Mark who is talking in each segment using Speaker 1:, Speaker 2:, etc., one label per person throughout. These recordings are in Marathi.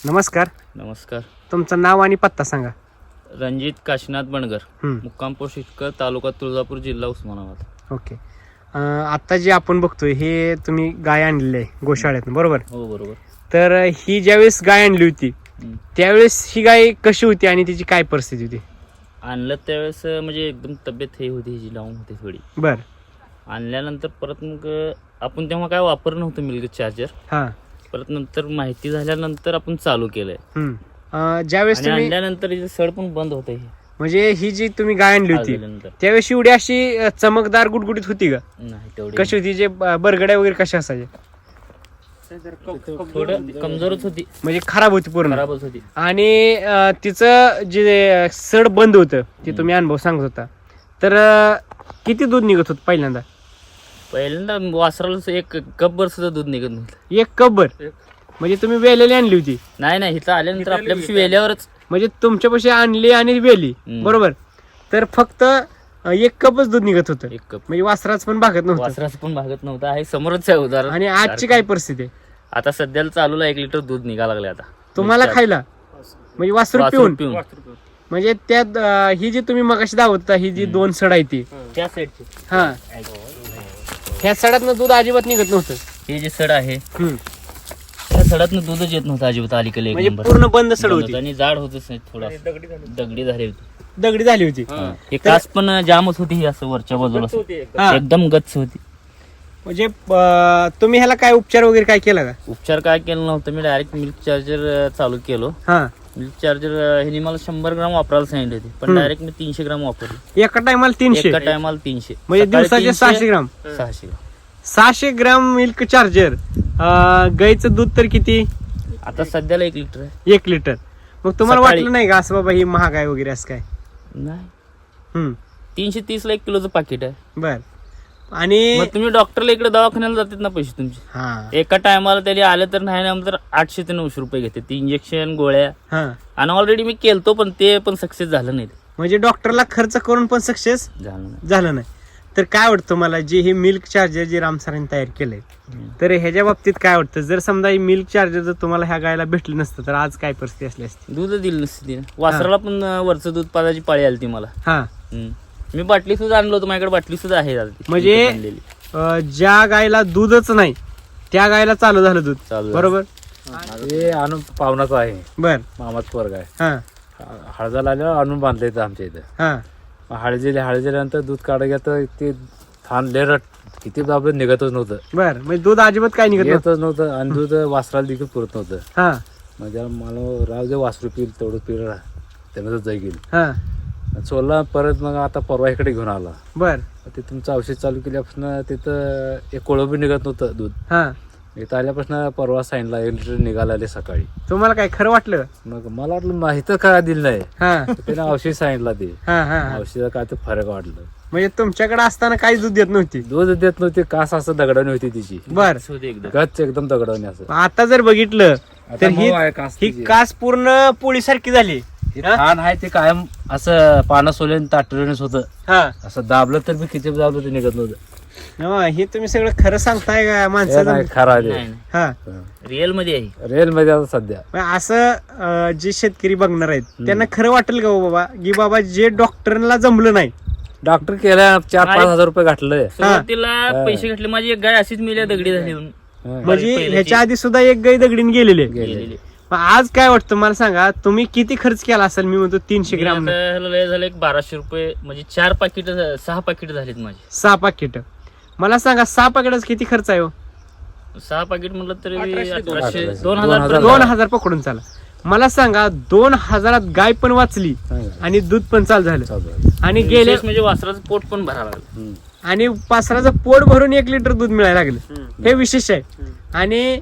Speaker 1: नमस्कार.
Speaker 2: नमस्कार.
Speaker 1: तुमचं नाव आणि पत्ता सांगा.
Speaker 2: रणजित काशीनाथ बनगर,
Speaker 1: हम्म.
Speaker 2: मुक्काम पोस्ट इटकर, तालुका तुळजापूर, जिल्हा उस्मानाबाद.
Speaker 1: ओके. आता जे आपण बघतोय हे तुम्ही गाय आणलेली आहे गोशाळ्यातून, बरोबर?
Speaker 2: हो बरोबर.
Speaker 1: तर ही ज्यावेळेस गाय आणली होती त्यावेळेस ही गाय कशी होती आणि तिची काय परिस्थिती होती?
Speaker 2: आणलं त्यावेळेस म्हणजे एकदम तब्येत हे होती, हिची लावून होती थोडी.
Speaker 1: बर.
Speaker 2: आणल्यानंतर परत मग आपण तेव्हा काय वापरलं नव्हतं मिल्क चार्जर.
Speaker 1: हा.
Speaker 2: परत नंतर माहिती झाल्यानंतर आपण चालू केलंय.
Speaker 1: ज्यावेळेस
Speaker 2: आणि
Speaker 1: तुम्ही
Speaker 2: आणल्यानंतर हिचं सड पण बंद होतं. हे
Speaker 1: म्हणजे ही जी तुम्ही गाय आणली होती
Speaker 2: आल्यानंतर
Speaker 1: त्यावेळेस एवढी अशी चमकदार गुटगुटीत होती का?
Speaker 2: नाही तेवढी
Speaker 1: कशी होती? जे बरगड्या वगैरे कशा असायच्या?
Speaker 2: थोडं कमजोरच होती,
Speaker 1: म्हणजे खराब होती पूर्ण.
Speaker 2: खराबच होती.
Speaker 1: आणि तिचं जे सड बंद होतं ते तुम्ही अनुभव सांगत होता. तर किती दूध निघत होतं पहिल्यांदा?
Speaker 2: पहिल्यांदा वासराला एक कपभर सुद्धा दूध निघत नव्हतं.
Speaker 1: 1 कपभर? म्हणजे तुम्ही वेलेली आणली होती?
Speaker 2: नाही हिथं आल्यानंतर आपल्यापाशी वेल्यावरच.
Speaker 1: म्हणजे तुमच्यापाशी आणली आणि वेली, बरोबर? तर फक्त 1 कपच दूध निघत होतं.
Speaker 2: 1 कप.
Speaker 1: म्हणजे वासराच पण भागत नव्हतं.
Speaker 2: वासराचं पण भागत नव्हतं. आहे समोरच आहे उदाहरण.
Speaker 1: आणि आजची काय परिस्थिती आहे?
Speaker 2: आता सध्याला चालूला 1 लिटर दूध निघा लागले आता
Speaker 1: तुम्हाला खायला, म्हणजे वासरू
Speaker 2: वासरू
Speaker 1: पिऊन. म्हणजे त्यात ही जी तुम्ही मगाशी दावत होता ही जी 2 सड आहे ती,
Speaker 2: त्या साईडची
Speaker 1: हा, ह्या सडातनं दूध अजिबात निघत नव्हतं.
Speaker 2: हे जे सड आहे
Speaker 1: हम्म.
Speaker 2: त्या सडातनं दूधच येत नव्हतं अजिबात. अलीकडे एक
Speaker 1: म्हणजे
Speaker 2: नंबर
Speaker 1: पूर्ण बंद सड
Speaker 2: बंद
Speaker 1: होती
Speaker 2: आणि जाड होतच नाही. थोडा दगडी झाली होती.
Speaker 1: दगडी झाली होती.
Speaker 2: हे कास पण जामच होती. ही असं वरच्या बाजूला
Speaker 1: हा.
Speaker 2: एकदम गच्च होती.
Speaker 1: म्हणजे तुम्ही ह्याला काय उपचार वगैरे काय केला का?
Speaker 2: उपचार काय केलं नव्हतं. मी डायरेक्ट मिल्क चार्जर चालू केलो.
Speaker 1: हा.
Speaker 2: मिल्क चार्जर ह्याने मला 100 ग्राम वापरायला सांगितले होते, पण डायरेक्ट मी 300 ग्राम वापरले.
Speaker 1: एका टायमाला 300?
Speaker 2: एका टायमाला 300.
Speaker 1: म्हणजे
Speaker 2: सकाळी
Speaker 1: दिवसाचे
Speaker 2: 300,
Speaker 1: 600 ग्राम?
Speaker 2: 600 ग्राम.
Speaker 1: 600 ग्राम मिल्क चार्जर. गाईचं दूध तर किती?
Speaker 2: आता सध्याला 1 लिटर आहे.
Speaker 1: 1 लिटर. मग तुम्हाला
Speaker 2: सकाळी.
Speaker 1: वाटलं नाही का असं बाबा ही महाग आहे वगैरे असं काय?
Speaker 2: नाही, 330 ला 1 किलोचं पाकिट आहे.
Speaker 1: बर. आणि
Speaker 2: मग तुम्ही डॉक्टरला इकडे दवाखान्याला जातात ना पैसे तुमचे.
Speaker 1: हा
Speaker 2: एका टायमाला त्याने आलं तर नाही ना तर 800 ते 900 रुपये घेते. ती इंजेक्शन गोळ्या.
Speaker 1: हा.
Speaker 2: आणि ऑलरेडी मी केलतो पण ते पण सक्सेस झालं नाही.
Speaker 1: म्हणजे डॉक्टरला खर्च करून पण सक्सेस
Speaker 2: झालं नाही.
Speaker 1: झालं नाही. तर काय वाटतं मला जे हे मिल्क चार्जर जे राम सरांनी तयार केलंय, तर ह्याच्या बाबतीत काय वाटतं? जर समजा हे मिल्क चार्जर जर तुम्हाला ह्या गायला भेटलं नसतं तर आज काय परिस्थिती असली असती?
Speaker 2: दूध दिलं नसतं तिने. वासराला पण वरचं दूध पाजायची पाळी आली ती मला.
Speaker 1: हा.
Speaker 2: मी बाटली सुद्धा आणलो होतो. माझ्याकडे बाटली सुद्धा आहे आता ती.
Speaker 1: म्हणजे
Speaker 2: विकत आणलेली.
Speaker 1: ज्या गायला दूधच नाही त्या गायला चालू झालं दूध,
Speaker 2: चालू झालं.
Speaker 1: बरोबर?
Speaker 3: हे आणून पाहुणाचं आहे,
Speaker 1: बर.
Speaker 3: मामाच पोरगा आहे.
Speaker 1: हा.
Speaker 3: हळदाला आल्यावर आणून बांधलं इथं आमच्या इथं.
Speaker 1: हा.
Speaker 3: हळदील्यानंतर दूध काढायला तर ते थान लेरट किती दाबलं निघतच नव्हतं.
Speaker 1: बर. म्हणजे दूध अजिबात काय निघत नव्हतं.
Speaker 3: येतच नव्हतं आणि दूध वासराला देखील पुरत नव्हतं.
Speaker 1: हा.
Speaker 3: म्हणजे मला राव जे वासरू पिल तेवढं पिल त्यानं जाई गेली.
Speaker 1: हा.
Speaker 3: सोडला परत. मग आता परवा इकडे घेऊन आला.
Speaker 1: बर.
Speaker 3: ते तुमचं औषध चालू केल्यापासून तिथं एक कोळंबी निघत नव्हतं दूध.
Speaker 1: हा.
Speaker 3: इथं आल्यापासून परवा सांगितला 1 लिटर निघाला सकाळी.
Speaker 1: तुम्हाला काय खरं वाटलं?
Speaker 3: मग मला वाटलं माहिती काय दिलं नाही.
Speaker 1: हा.
Speaker 3: त्याने औषध सांगितलं ते.
Speaker 1: हा. हा.
Speaker 3: औषधात काय ते फरक वाटलं.
Speaker 1: म्हणजे तुमच्याकडे असताना काहीच दूध देत नव्हती?
Speaker 3: दूध देत नव्हती. कास असं दगडाने होती तिची.
Speaker 1: बर.
Speaker 2: होते एकदम.
Speaker 3: गच्च एकदम दगडाने असं.
Speaker 1: आता जर बघितलं तर
Speaker 3: आता मऊ आहे कास
Speaker 1: ही
Speaker 3: तिची.
Speaker 1: कास पूर्ण पोळीसारखी झाली.
Speaker 3: हे छान आहे ते कायम असं पानं सोल्याने ताटलेच होतं.
Speaker 1: हा.
Speaker 3: असं दाबलं तर मी किती दाबलं ते निघत नव्हतं.
Speaker 1: हे तुम्ही सगळं खरं सांगताय का
Speaker 3: हे
Speaker 1: माणसाचं?
Speaker 3: नाही खरं आहे
Speaker 2: नाही,
Speaker 1: हा.
Speaker 2: रिअल मध्ये आहे.
Speaker 3: रेल मध्ये आता सध्या
Speaker 1: मग असं जे शेतकरी बघणार आहेत त्यांना खरं वाटेल का हो बाबा की बाबा जे डॉक्टरला जमलं नाही?
Speaker 3: डॉक्टर केल्या 4-5 हजार रुपये घातलंय.
Speaker 2: सुरुवातीला पैसे घेतले. माझी एक गाय अशीच मिल्या दगडी झाली म्हणून.
Speaker 1: म्हणजे
Speaker 2: पहिल्याची-
Speaker 1: ह्याच्या आधी सुद्धा एक गाय दगडीने गेलेले.
Speaker 2: गेलेली.
Speaker 1: मग आज काय वाटतं मला सांगा, तुम्ही किती खर्च केला असेल? मी म्हणतो 300
Speaker 2: मी
Speaker 1: ग्राम,
Speaker 2: आता ह्याला लय झालं एक 1200 रुपये. म्हणजे 4 पाकिट 6 पाकिट झालीत माझी.
Speaker 1: 6 पाकिट. मला सांगा 6 पाकिटाचा किती खर्च आहे हो?
Speaker 2: 6 पाकिट म्हटलं तरी 1800
Speaker 3: 1800,
Speaker 2: 2000
Speaker 1: 2000 पकडून चाला. मला सांगा 2000 गाय पण वाचली आणि दूध पण चालू झालं आणि गेले
Speaker 2: विशेष म्हणजे वासराचं पोट पण भरावं लागलं.
Speaker 1: आणि वासराचं पोट भरून 1 लिटर दूध मिळायला लागलं. हे विशेष आहे. आणि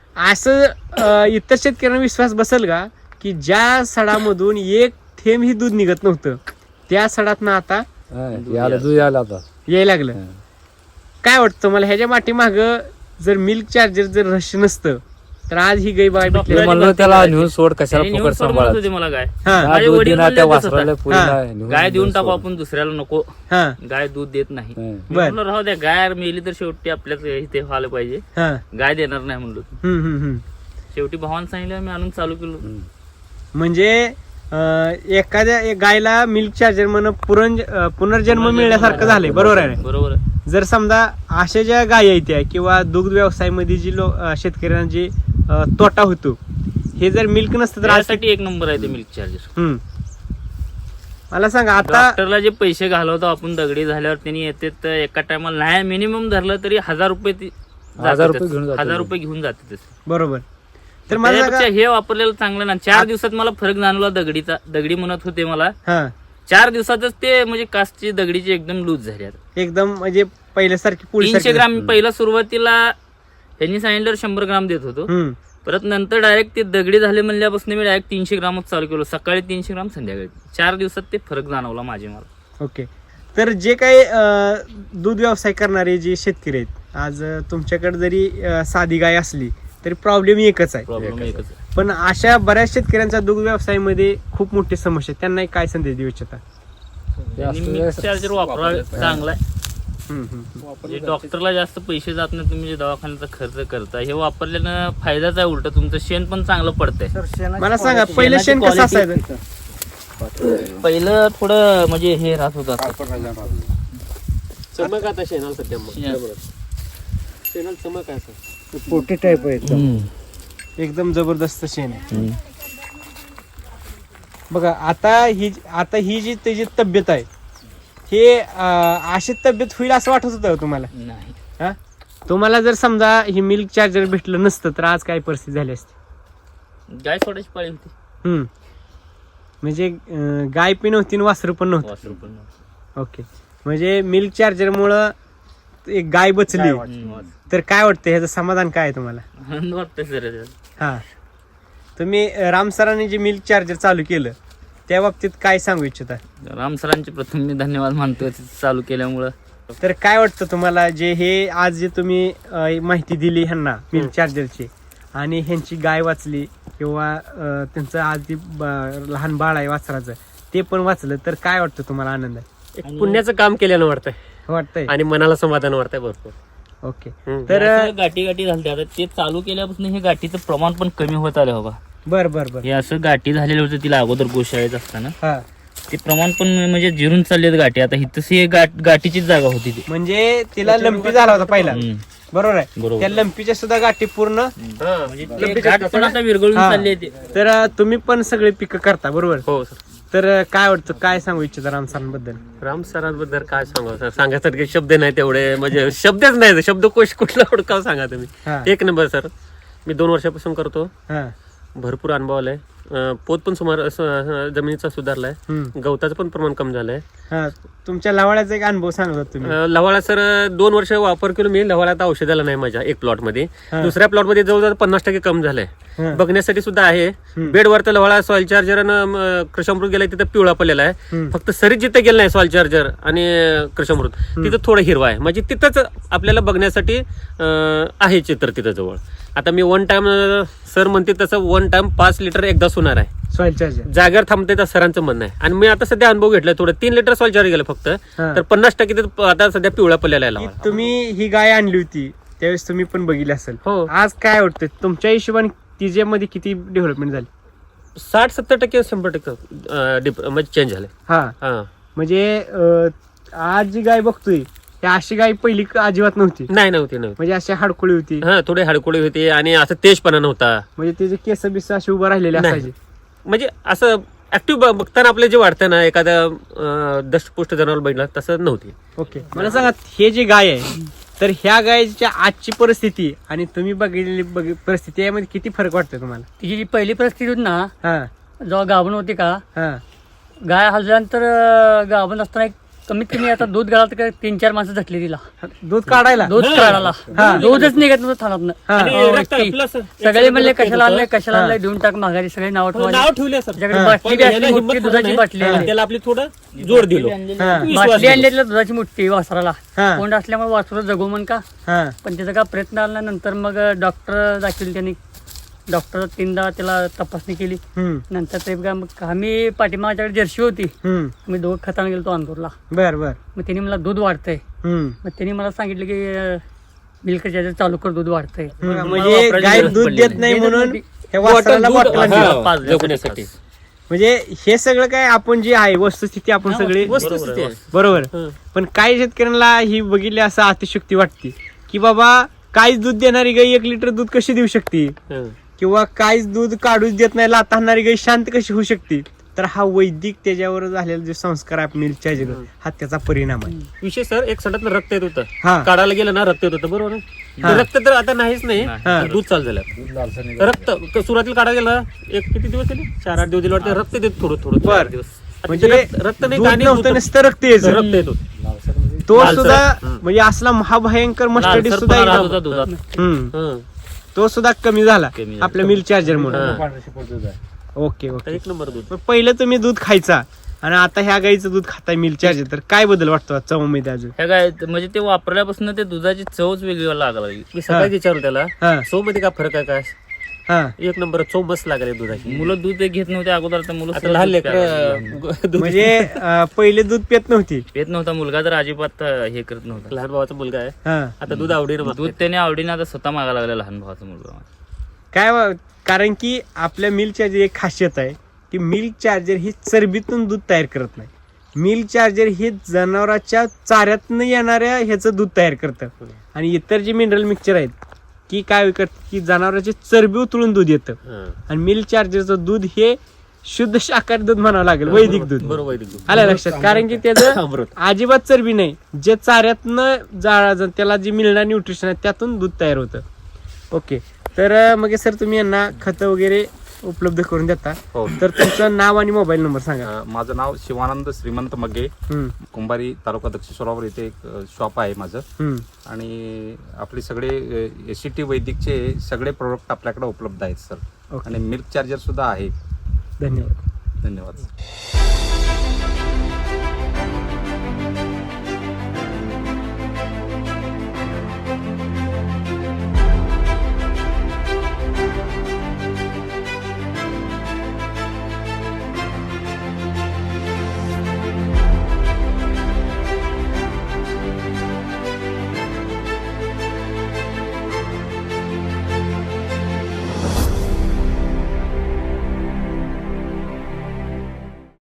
Speaker 1: असं इतर शेतकऱ्यांना विश्वास बसेल का की ज्या सडामधून 1 थेंब ही दूध निघत नव्हतं त्या सडातनं आता
Speaker 3: दूध यायला आता
Speaker 1: यायला लागलं? काय वाटतं मला ह्याच्या पाठीमाग जर मिल्क चार्जर जर रहस्य नसतं तर आज ही गाय बाय भेटली.
Speaker 2: डॉक्टर-
Speaker 3: म्हणलं त्याला नेऊन सोड
Speaker 2: त्याने
Speaker 3: कशाला
Speaker 2: नेऊन
Speaker 3: फुकट
Speaker 2: सोड म्हणत
Speaker 3: सांभाळत.
Speaker 2: होते मला गाय.
Speaker 1: हा.
Speaker 2: माझे
Speaker 3: दूध
Speaker 2: वडील
Speaker 3: देणार
Speaker 2: म्हणले
Speaker 3: त्या
Speaker 2: तसं
Speaker 3: वासराला
Speaker 2: होतं.
Speaker 3: पुरीला
Speaker 1: हा.
Speaker 3: नेऊन
Speaker 2: गाय देऊन
Speaker 3: सोड.
Speaker 2: टाकू आपण दुसऱ्याला नको.
Speaker 1: हा.
Speaker 2: गाय दूध देत नाही.
Speaker 3: हं.
Speaker 2: मी
Speaker 1: बर.
Speaker 2: म्हणलं राहू द्या गाय मेली तर शेवटी आपल्याच इथे व्हायला पाहिजे.
Speaker 1: हा.
Speaker 2: गाय देणार नाही म्हणलो.
Speaker 1: हम्म.
Speaker 2: शेवटी भावानं सांगितलं मी आणून चालू केलो.
Speaker 1: म्हणजे एखाद्या गायला मिल्क चार्जर म्हणून पुनर्जन्म मिळण्यासारखं झालंय. बरोबर आहे ना?
Speaker 2: बरोबर आहे.
Speaker 1: जर समजा अशा ज्या गायी आहेत त्या किंवा दुग्ध व्यवसायामध्ये जी शेतकऱ्यांना जी तोटा होतो, हे जर मिल्क नसतं तर आज
Speaker 2: त्यासाठी एक नंबर आहे ते मिल्क चार्जर.
Speaker 1: मला सांगा आता
Speaker 2: डॉक्टरला जे पैसे घालवतो आपण दगडी झाल्यावर त्यांनी येते तर एका टायमाला नाही मिनिमम धरलं तरी 1000 रुपये
Speaker 3: 1000 रुपये घेऊन जातात.
Speaker 2: 1000 रुपये घेऊन जाते तसे.
Speaker 1: बरोबर. तर मला
Speaker 2: त्यापेक्षा
Speaker 1: सांगा
Speaker 2: हे वापरलेलं चांगलं ना. 4 दिवसात मला फरक जाणवला दगडीचा. दगडी म्हणत होते मला,
Speaker 1: हा
Speaker 2: 4 दिवसातच ते म्हणजे कासची दगडीची एकदम लूज झाली आता.
Speaker 1: एकदम म्हणजे पहिल्यासारखी पोळी
Speaker 2: 300 ग्राम पहिला सुरुवातीला त्यांनी सांगितलं 100 ग्राम देत होतो. परत नंतर डायरेक्ट ते दगडी झाले म्हणल्यापासून मी डायरेक्ट 300 ग्रामच चालू केलो. सकाळी 300 ग्राम, संध्याकाळी. 4 दिवसात ते फरक जाणवला माझे मला.
Speaker 1: ओके. तर जे काही दूध व्यवसाय करणारे जे शेतकरी आहेत, आज तुमच्याकडे जरी साधी गाय असली तरी प्रॉब्लेम एकच आहे.
Speaker 2: प्रॉब्लेम एकच आहे.
Speaker 1: पण अशा बऱ्याच शेतकऱ्यांचा दुग्ध व्यवसायामध्ये खूप मोठी समस्या आहे. त्यांना काय संदेश देऊ इच्छिता?
Speaker 2: मिल्क चार्जर वापरा, चांगला आहे. म्हणजे डॉक्टरला जास्त पैसे जात नाही. तुम्ही जे दवाखान्याचा खर्च करता हे वापरल्यानं फायदाच आहे. उलट तुमचं शेण पण चांगलं पडतंय.
Speaker 1: मला सांगा पहिलं शेण कसं असायचं?
Speaker 2: पहिलं थोडं म्हणजे हे राहत होतं.
Speaker 4: चमक आता शेणाला सध्या शेणाला चमक आहे असं.
Speaker 5: पोटी टाईप आहे.
Speaker 1: एकदम जबरदस्त शेण आहे. बघा आता ही जी त्याची तब्येत आहे, हे अशी तब्येत होईल असं वाटत होतं तुम्हाला?
Speaker 2: नाही.
Speaker 1: हा, तुम्हाला जर समजा ही मिल्क चार्जर भेटलं नसतं तर आज काय परिस्थिती झाली असती?
Speaker 2: गाय सोडायची पाळी होती.
Speaker 1: म्हणजे गाय पण नव्हती आणि वासरू पण नव्हतं.
Speaker 2: वासरू पण नव्हतं.
Speaker 1: ओके. म्हणजे मिल्क चार्जर मुळे एक गाय बचली तर काय वाटतं, ह्याचं समाधान काय आहे तुम्हाला?
Speaker 2: आनंद वाटतंय सर.
Speaker 1: हा, तुम्ही राम सरांनी जे मिल्क चार्जर चालू केलं त्या बाबतीत काय सांगू इच्छिता?
Speaker 2: राम सरांचे प्रथम मी धन्यवाद मानतोय चालू केल्यामुळं.
Speaker 1: तर काय वाटतं तुम्हाला, जे हे आज जे तुम्ही माहिती दिली ह्यांना मिल्क चार्जरची आणि ह्यांची गाय वाचली किंवा त्यांचं आज ती लहान बाळ आहे वासराचं ते पण वाचलं, तर काय वाटतं तुम्हाला आनंद आहे?
Speaker 4: एक पुण्याचं काम केल्यानं
Speaker 1: वाटतंय
Speaker 4: आणि मनाला समाधान वाटतंय भरपूर.
Speaker 1: ओके.
Speaker 4: तर
Speaker 1: तर
Speaker 2: गाठी झाली. आता ते चालू केल्यापासून हे गाठीचं प्रमाण पण कमी होत आलं. बाबा
Speaker 1: बर
Speaker 2: हे असं गाठी झालेलं होतं तिला अगोदर गोशाळेत असताना.
Speaker 1: हा,
Speaker 2: ते प्रमाण पण म्हणजे जिरून चाललेत गाठी. आता ही गाठीचीच जागा होती ती.
Speaker 1: म्हणजे तिला लंपी झाला होता पहिला. बरोबर आहे.
Speaker 2: बरोबर.
Speaker 1: त्या लंपीच्या सुद्धा गाठी पूर्ण.
Speaker 2: म्हणजे ते गाठ पण आता विरघळून
Speaker 1: हा.
Speaker 2: चालली आहे.
Speaker 1: तर तुम्ही पण सगळे पिकं करता बरोबर?
Speaker 4: हो सर.
Speaker 1: तर काय वाटतं, काय सांगू इच्छिता राम सरांबद्दल?
Speaker 4: राम सरांबद्दल काय सांगा सर, सांगायसारखे शब्द नाही तेवढे, म्हणजे शब्दच नाही. शब्दकोश कुठला हुडकाव सांगा
Speaker 1: हा.
Speaker 4: तुम्ही. एक नंबर सर. मी 2 वर्षापासून करतो.
Speaker 1: हा,
Speaker 4: भरपूर अनुभव आलाय. पोत पण जमिनीचा सुधारलाय. गवताचं पण प्रमाण कमी झालंय.
Speaker 1: हा. तुमच्या लवाळ्याचा एक अनुभव सांगत तुम्ही.
Speaker 4: लवाळा सर 2 वर्ष वापर केलो मी. लवाळ्यात औषधाला नाही माझ्या एक प्लॉट मध्ये.
Speaker 1: हा.
Speaker 4: दुसऱ्या प्लॉट मध्ये जवळजवळ 50% कम झालंय.
Speaker 1: हा.
Speaker 4: बघण्यासाठी सुद्धा आहे. बेडवर तर लवाळा सॉइल चार्जर आणि कृषामृत गेलाय तिथं पिवळा पडलेला आहे. फक्त सरीत जिथे गेलं नाही सॉइल चार्जर आणि कृषामृत तिथं थोडं हिरवा आहे. म्हणजे तिथंच आपल्याला बघण्यासाठी आहे चित्र तिथं जवळ. आता मी 1 टाइम सर म्हणते तसं 1 टाइम 5 लिटर एकदा होणार आहे.
Speaker 1: सॉइल चार्जर
Speaker 4: जागेवर थांबते तर सरांचं म्हणणं आहे. आणि मी आता सध्या अनुभव घेतलाय थोडं. 3 लिटर सॉइल चार्जर गेलं फक्त.
Speaker 1: हा.
Speaker 4: तर 50% तिथं आता सध्या पिवळा पडलेला आहे लवाळा.
Speaker 1: तुम्ही ही गाय आणली होती त्यावेळेस तुम्ही पण बघितली असेल.
Speaker 4: हो.
Speaker 1: आज काय वाटतं तुमच्या हिशोबाने तिच्यामध्ये किती डेव्हलपमेंट झाली?
Speaker 4: 60-70% 100% म्हणजे चेंज झाले.
Speaker 1: हा,
Speaker 4: हा.
Speaker 1: म्हणजे आज जी गाय बघतोय त्या अशी गाय पहिली अजिबात नव्हती.
Speaker 4: नव्हती.
Speaker 1: म्हणजे अशी हाडकुळी होती.
Speaker 4: हा, थोडे हाडकोळी होते आणि असं तेजपणा नव्हता.
Speaker 1: म्हणजे त्याचे केस बिस असे उभं राहिलेले
Speaker 4: नाही.
Speaker 1: असायचे.
Speaker 4: म्हणजे असं ऍक्टिव्ह बघताना आपलं जे वाटतं ना एखाद्या दष्टपुष्ट जनावर बघितलं तसं नव्हती.
Speaker 1: ओके. मला सांगा हे जी गाय आहे तर ह्या गायच्या आजची परिस्थिती आणि तुम्ही बघितलेली परिस्थिती यामध्ये किती फरक वाटतोय तुम्हाला?
Speaker 5: तिची जी पहिली परिस्थिती होती ना,
Speaker 1: हा,
Speaker 5: जेव्हा गाभण होती का,
Speaker 1: हा,
Speaker 5: गाय हलल्यानंतर गाभण असताना कमीत कमी आता दूध गाळात 3-4 माणसं झटली तिला.
Speaker 1: दूध काढायला.
Speaker 5: दूध काढायला
Speaker 1: हा.
Speaker 5: दूधच निघत नव्हतं थानातनं.
Speaker 1: हा.
Speaker 5: हो,
Speaker 4: रक्त
Speaker 5: ती.
Speaker 4: plus
Speaker 5: सगळे म्हणले कशाला आणलंय
Speaker 1: हा.
Speaker 5: कशाला आणलंय, देऊन टाक माघारी. सगळे नाव ठेवायला.
Speaker 4: नाव ठेवले सर.
Speaker 5: त्याच्याकडे बाटली बी असली मोठी, दुधाची बाटली आणली.
Speaker 4: त्याला आपली थोडं जोड दिलो.
Speaker 1: हा,
Speaker 5: बाटली आणली तिला दुधाची मोठी वासराला.
Speaker 1: हा.
Speaker 5: कोंड असल्यामुळे वासरू जगू म्हण का,
Speaker 1: हा,
Speaker 5: पण त्याचा का प्रयत्न आला. नंतर मग डॉक्टर दाखवले त्यांनी. डॉक्टर 3दा त्याला तपासणी केली. नंतर ते मग आम्ही पाठीमागच्याकडे जर्सी होती. मी 2 खताने गेलो तो अंदूरला.
Speaker 1: बर बर.
Speaker 5: मग त्यांनी मला दूध वाढतंय.
Speaker 1: हम्म.
Speaker 5: मग त्यांनी मला सांगितलं की मिल्क चार्जर चालू कर, दूध वाढतंय.
Speaker 1: म्हणजे
Speaker 2: वापरायची
Speaker 1: गाय
Speaker 2: गरज
Speaker 1: दूध
Speaker 2: पडली
Speaker 1: देत
Speaker 2: नाही.
Speaker 1: नाही म्हणून
Speaker 5: दूध-
Speaker 1: हे वासराला
Speaker 4: दूध-
Speaker 1: बॉटल आणली.
Speaker 4: हा,
Speaker 2: पाच
Speaker 4: जगण्यासाठी.
Speaker 1: म्हणजे हे सगळं काय आपण जे आहे वस्तुस्थिती आपण सगळे
Speaker 4: वस्तुस्थिती आहे.
Speaker 1: बरोबर.
Speaker 4: हं.
Speaker 1: पण काही शेतकऱ्यांना ही बघितली असं अतिशक्ती वाटते की बाबा काहीच दूध देणारी गाई 1 लिटर दूध कशी देऊ शकते,
Speaker 4: हं.
Speaker 1: किंवा काहीच दूध काढूच देत नाही लाथा आणणारी गाई शांत कशी होऊ शकते. तर हा वैदिक त्याच्यावर झालेला जे संस्कार आहे मिल्क चार्जर हा त्याचा परिणाम आहे.
Speaker 4: विशेष सर एक सडक रक्त येत होतं,
Speaker 1: हा
Speaker 4: काढायला गेलं ना रक्त येत होतं, बरोबर ना?
Speaker 1: हा.
Speaker 4: ते रक्त तर आता नाहीच नाही,
Speaker 1: हा.
Speaker 4: दूध चालू झालं.
Speaker 3: दूध लालसर निघत
Speaker 4: रक्त सुरुवातीला काढायला गेलं एक किती दिवस गेले, 4-8 दिवस दिले वाटतं, रक्त देत थोडं थोडं
Speaker 1: बर.
Speaker 4: दिवस.
Speaker 1: म्हणजे
Speaker 4: रक्त नाही,
Speaker 1: दूध
Speaker 4: दाणे
Speaker 1: नव्हतं
Speaker 4: दूध-
Speaker 1: नुसतं रक्त यायचं.
Speaker 4: रक्त येत होतं.
Speaker 3: लालसर म्हणजे
Speaker 1: तो
Speaker 4: लालसर.
Speaker 1: सुद्धा
Speaker 4: हं.
Speaker 1: म्हणजे असला महाभयंकर मस्टडी
Speaker 2: लालसरपणा
Speaker 1: सुद्धा
Speaker 2: राहत
Speaker 1: एकदम-
Speaker 2: होता दुधात.
Speaker 1: हम्म.
Speaker 4: हं.
Speaker 1: तो सुद्धा कमी झाला
Speaker 2: कमी झाला.
Speaker 1: आपल्या मिल्क चार्जर मुळे.
Speaker 4: हा.
Speaker 3: पांढऱ्या शिपट दूध आहे.
Speaker 1: ओके
Speaker 4: आता
Speaker 1: ओके.
Speaker 4: 1 नंबर दूध.
Speaker 1: मग पहिलं तुम्ही दूध खायचा आणि आता ह्या गाईचं दूध खाताय मिल्क चार्जर, तर काय बदल वाटतो चवमध्ये अजून?
Speaker 2: ह्या गाय म्हणजे ते वापरल्यापासून ते दुधाची चवच वेगळी लागायला लागली.
Speaker 4: मी सकाळी विचारलं त्याला
Speaker 1: हा
Speaker 4: चव मध्ये काय फरक आहे काय?
Speaker 1: हा
Speaker 4: 1 नंबर चव मस्त लागली दुधाची.
Speaker 2: मुलं दूध घेत नव्हते अगोदर, तर मुलं
Speaker 4: आता
Speaker 2: सुद्धा
Speaker 4: लहान
Speaker 2: दूध प्यायला लागली.
Speaker 4: लेकर दूध
Speaker 1: म्हणजे पहिले दूध पेत नव्हती.
Speaker 2: पेत नव्हता मुलगा, तर अजिबात हे करत नव्हता.
Speaker 4: लहान भावाचा मुलगा आहे,
Speaker 1: हा
Speaker 4: आता दूध आवडीनं
Speaker 2: दूध
Speaker 4: मागतोय.
Speaker 2: त्याने आवडीने आता स्वतः मागायला लागला लहान भावाचा मुलगा.
Speaker 1: कारण की आपल्या मिल्क चार्जर एक खासियत आहे की मिल्क चार्जर ही चरबीतून दूध तयार करत नाही. मिल्क चार्जर हे जनावरांच्या चाऱ्यातनं येणाऱ्या ह्याचं दूध तयार करतं. आणि इतर जे मिनरल मिक्सचर आहेत की काय करतं की जनावरांची चरबी उतरून दूध येतं.
Speaker 4: हं.
Speaker 1: आणि मिल्क चार्जरचं दूध हे शुद्ध शाकाहारी दूध म्हणावं लागेल, वैदिक दूध.
Speaker 4: बरोबर वैदिक दूध.
Speaker 1: आलं लक्षात? कारण की त्याचं
Speaker 4: अमृत.
Speaker 1: अजिबात चरबी नाही, जे चाऱ्यातनं त्याला जे मिळणार न्यूट्रिशन आहे त्यातून दूध तयार होतं. ओके. तर मग सर तुम्ही यांना खतं वगैरे उपलब्ध करून देता,
Speaker 6: हो.
Speaker 1: तर तुमचं नाव आणि मोबाईल नंबर सांगा.
Speaker 6: माझं नाव शिवानंद श्रीमंत मग्गे,
Speaker 1: हम्म,
Speaker 6: कुंभारी तालुका दक्षिणेश्वरावर इथे एक शॉप आहे माझं.
Speaker 1: हम्म.
Speaker 6: आणि आपले सगळे SCT वैदिकचे सगळे प्रोडक्ट आपल्याकडे उपलब्ध आहेत सर.
Speaker 1: ओके.
Speaker 6: आणि मिल्क चार्जर सुद्धा आहे.
Speaker 1: धन्यवाद.
Speaker 6: धन्यवाद.